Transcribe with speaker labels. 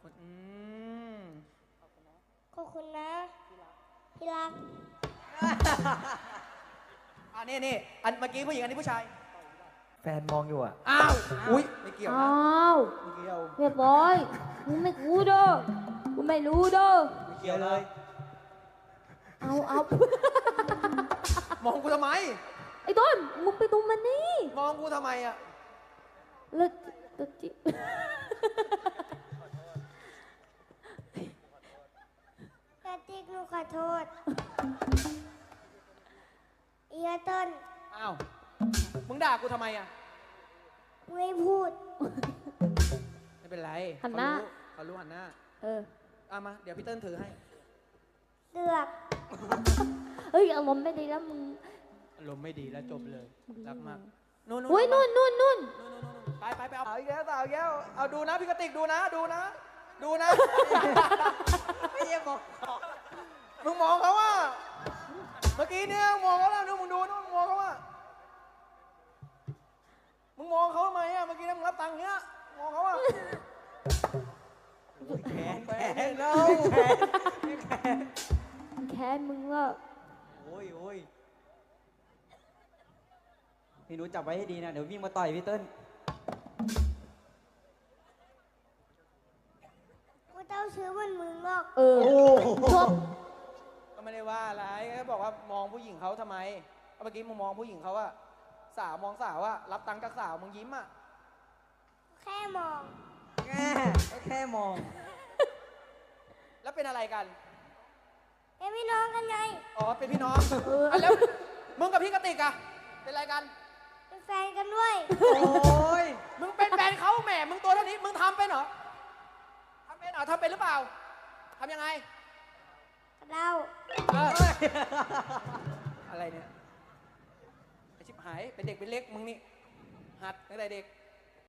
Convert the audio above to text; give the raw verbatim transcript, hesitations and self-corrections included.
Speaker 1: อืม
Speaker 2: ขอบคุณนะที่รัก
Speaker 1: อันนี้นี่อันเมื่อกี้ผู้หญิงอันนี้ผู้ชาย
Speaker 3: แฟนมองอยู่อ่ะ
Speaker 1: อ้าว อุ้ยไม่เกี่ยวนะ
Speaker 4: อ้าว
Speaker 1: ไม่เกี่ยว
Speaker 4: เรียบร้อยมึงไม่รู้เด้อมึงไม่รู้เด้อ
Speaker 1: ไม่เกี่ยวเลย
Speaker 4: เอาเอา
Speaker 1: มองกูทำไม
Speaker 4: ไอ้ต้นมึงไปดูมันนี่
Speaker 1: มองกูทำไมอ่ะ
Speaker 4: เลิกเลิกจิ
Speaker 2: กระติกหนูขอโทษเอียเต้น
Speaker 1: อ้าว มึงด่ากูทำไมอ่ะ
Speaker 2: ไม่พูด
Speaker 1: ไม่เป็นไร
Speaker 4: หันหน้า
Speaker 1: เขารู้เขารู้หันหน้า
Speaker 4: เออ
Speaker 1: เอามา เดี๋ยวพี่เติ้ลถือให้
Speaker 2: เลือก
Speaker 4: เฮ้ยอารมณ์ไม่ดีแล้วมึง
Speaker 1: อารมณ์ไม่ดีแล้วจบเลย
Speaker 4: มึง
Speaker 1: รักมาก
Speaker 4: มึง
Speaker 1: นู่นนู่น
Speaker 4: อุ้ยนู่นนู่นนู่น
Speaker 1: นู่นนู่นนู่นไปไปไปเอาเอาอีกแล้วเอาอีกแล้วเอาดูนะพี่กติกดูนะ ดูนะ ดูนะ ไม่ใช่บอกมึงมองเขาว่า เมื่อกี้เนี่ยมองเขาแล้วดูมึงดูนู่นมึงมองเขาว่า มึงมองเขาทำไมอ่ะ เมื่อกี้เนี่ยมึงรับตังค์เนี้ย มองเขาอ่ะแขนแขนเราแขนแขน
Speaker 4: แค้นมึงว่า
Speaker 5: โอ้ยโอ้ยพี่หนูจับไว้ให้ดีนะ เดี๋ยววิ่งมาต่อยพี่เติ้ล
Speaker 2: กูเต้าซื้อเหมันมึงหรอก
Speaker 4: เออจบ
Speaker 1: ก็ไม่ได้ว่าอะไรแค่บอกว่ามองผู้หญิงเขาทำไมเมื่อกี้มึงมองผู้หญิงเขาอะสาวมองสาวอะรับตังค์จากสาวมึงยิ้มอะ
Speaker 2: แค่มอง
Speaker 5: แค่แค่มอง
Speaker 1: แล้วเป็นอะไรกัน
Speaker 2: เป็นพี่น้องกันไง
Speaker 1: อ๋อ เป็นพี่น้อง
Speaker 4: เออ
Speaker 1: อ่ะแล้วมึงกับพี่กติกอะเป็นอะไรกัน
Speaker 2: เป็นแฟนกันด้วย
Speaker 5: โอ้ย
Speaker 1: มึงเป็นแฟนเขาแหม มึงตัวเท่านี้ มึงทำเป็นเหรอทำเป็นเหรอทำเป็นหรือเปล่าทำยังไง
Speaker 2: เรา
Speaker 1: เอออะไรเนี่ยไอชิบหาย เป็นเด็กเป็นเล็กมึงนี่ หัดตั้งแต่เด็ก